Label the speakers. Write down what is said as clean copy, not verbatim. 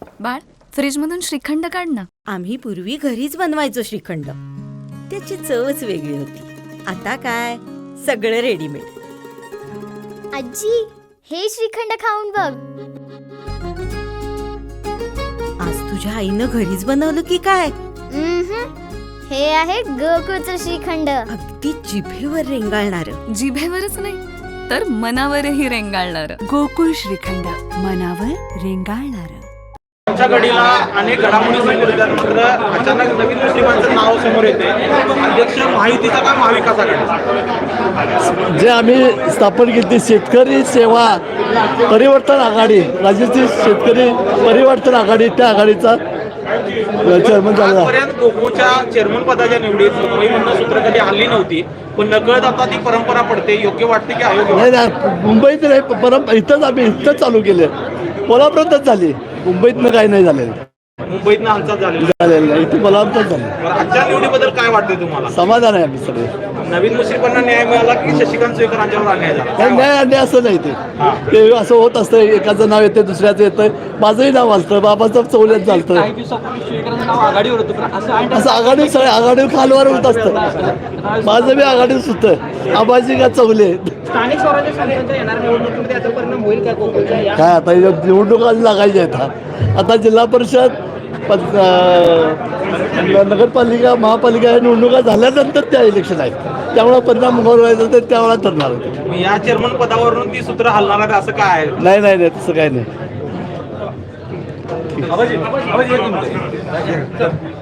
Speaker 1: बाळ, फ्रीजमधून श्रीखंड काढ ना.
Speaker 2: आम्ही पूर्वी घरीच बनवायचो श्रीखंड. त्याची चवच वेगळी होती. आता काय सगळं रेडीमेड.
Speaker 3: आजी, हे श्रीखंड खाऊन बघ.
Speaker 2: आज तुझ्या आईनं घरीच बनवलं की काय?
Speaker 3: हे आहे गोकुळचं श्रीखंड.
Speaker 2: अगदी जिभेवर रेंगाळणार.
Speaker 1: जिभेवरच नाही तर मनावरही रेंगाळणार.
Speaker 4: गोकुळ श्रीखंड, मनावर रेंगाळणार.
Speaker 5: आमच्या घडीला अनेक घडामोडी समोर येतात, मात्र अचानक नवीन मुस्लिमांचं नाव समोर येते. अध्यक्ष महायुतीचा का महाविकास आघाडी?
Speaker 6: जे आम्ही स्थापन केली शेतकरी सेवा परिवर्तन आघाडी, राज्याची शेतकरी परिवर्तन आघाडी, त्या आघाडीचा चेअरमन झाला.
Speaker 5: आजपर्यंत गोकुळच्या चेअरमन पदाच्या निवडीत मुंबईमधनं सूत्र कधी हल्ली नव्हती, पण नकळत आता ती परंपरा पडते. योग्य वाटते की अयोग्य?
Speaker 6: नाही, मुंबईत नाही, परंपरा इथंच आम्ही इथंच चालू केले. कोल्हापुरातच झाली, मुंबईतनं काही नाही झालेलं.
Speaker 5: मुंबईतनं हालचाल झालेली
Speaker 6: झालेलं नाही, इथे कोल्हापुरात झालं.
Speaker 5: आजच्या निवडीबद्दल काय वाटते तुम्हाला?
Speaker 6: समाधान आहे आम्ही सगळे.
Speaker 5: नवीन मुस्लिमांना न्याय मिळाला की शशिकांत सोयकरांच्यावर अन्याय झाला?
Speaker 6: काही न्याय अन्याय असं नाही. ते असं होत असतं, एकाचं नाव येतं दुसऱ्याचं येतं. माझंही नाव आलतं, बाबाचं चौल्यात चालतं. असं आघाडी सगळं आघाडी खालवर होत असतं. माझं बी आघाडीच होतं, आबाजी का चौले.
Speaker 7: स्थानिक स्वराज्य संस्थांच्या येणाऱ्या निवडणुकीमध्ये याचा परिणाम होईल का गोकुळच्या?
Speaker 6: काय आता निवडणुका लागायच्या आहेत. आता जिल्हा परिषद, नगरपालिका, महापालिका या निवडणुका झाल्यानंतर त्या इलेक्शन आहेत. त्यामुळे परिणाम व्हायचा तर त्यावेळा ठरणार होतं.
Speaker 5: मग या चेअरमन पदावरून ती सूत्र हलणार आहे असं काय आहे?
Speaker 6: नाही नाही नाही, तसं काही नाही.
Speaker 5: आवाज येतो.